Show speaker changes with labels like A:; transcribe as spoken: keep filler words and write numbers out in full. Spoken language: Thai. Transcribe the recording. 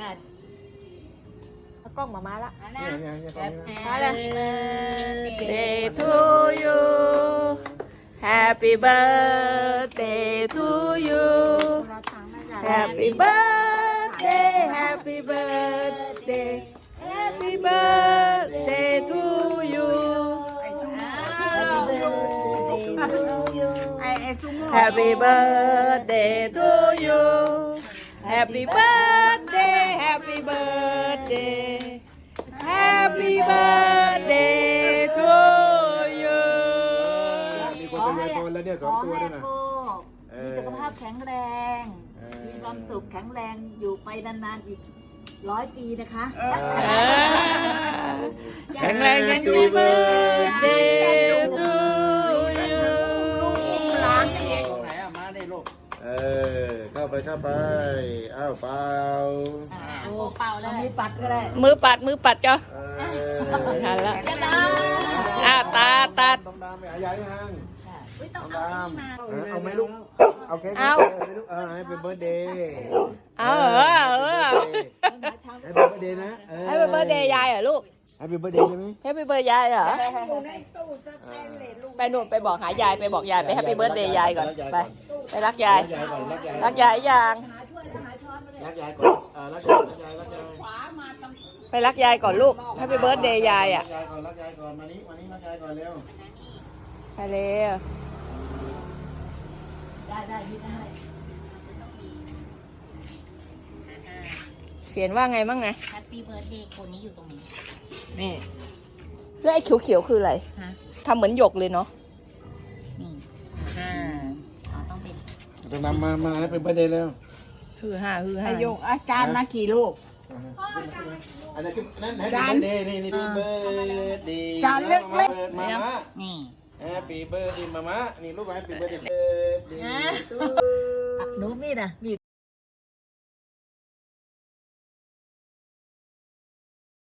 A: ได้เอากล้องมามาละ
B: เนี่ยเนี่ยเนี่ยตรงนี้นะ
A: มาเลย Day to you Happy birthday to you Happy birthday Happy birthday Happy birthday to you Happy birthday to you Happy birthday Happy birthday Happy birthday to you
B: มีคนเป็นไอโฟนแล้วเนี่ยสองตัวด้วยนะ
C: มีสุขภาพแข็งแรง มีความสุขแข็งแรงอยู่ไปนานๆอีกร้อยปีนะคะ
A: แข็งแรงยังดีเบิร์ดเดย์ทูยู
C: ล้างนี่
D: ตรงไหนอ่ะมาได้ลูก
B: เออเข้าไปเข้าไปอ้าวเปล่า
C: โอ้เป่าเลยมีปัดก็ได้
A: มือปัดมือปัดก็
B: เออ
A: ทันละอ่าตาตัด
B: ต้องดามไปหายายยังต้องดามเอาไหมลูกเอาเค้ก
A: เอา
B: ลูกเออให้เป็นเบิร์ดเดย์
A: เอาเหรอเออ
B: ให้เป็นเบิร์ดเดย์นะ
A: ให้เป็นเบอร์เดย์ยายเหรอลูก
B: ให้เป็นเบิร์ดเดย์ใช่ไหม
A: ให้เป็นเบอร์ยายเหรอไปหนุ่มไปบอกหายายไปบอกยายไปให้เป็นเบอร์เดย์ยายก่อนไปไปรักยาย
B: รักยายก่อนรักยาย
A: รักยายยัง
B: รักยายก่อนเออรักยายรักยายรักยาย
A: ไปรักยายก่อนลูกให้เป็นเบอร์เดย์ยายอ่ะ
B: รักยายก่อนรักยายก่อนมานี้มานี้รักยายก่อนเร็ว
A: ไปเร็ว
C: ได้ได้ที่ได้
A: เขียนว่าไงบ้างไง
E: แฮปปี้เบิร์ดเดย์คนนี้อยู่ตรงนี้
A: นี่แล้วไอ้เขียวๆคืออะไร
E: ฮะ
A: ทำเหมือนหยกเลยเนาะ
E: นี่อ่าอ๋อต้องเป็น
B: ต้องนำมามาให้เป็นเบิร์ดเดย์แล้ว
A: ฮือฮ่าฮือฮ่า
C: อายุอาจารย์มากี่ลูก
B: อันนั้นคือนั่นให้เป็นเบิร์ดเดย์นี่นี่เป็นเบิร์ดเดย์
C: จานเล็ก
B: มามามา
E: นี่
B: แฮปปี้เบิร์ดเดย์มามานี่ลูกแฮปปี้เบิร์ดเดย์
C: หนูมีดอ่ะมี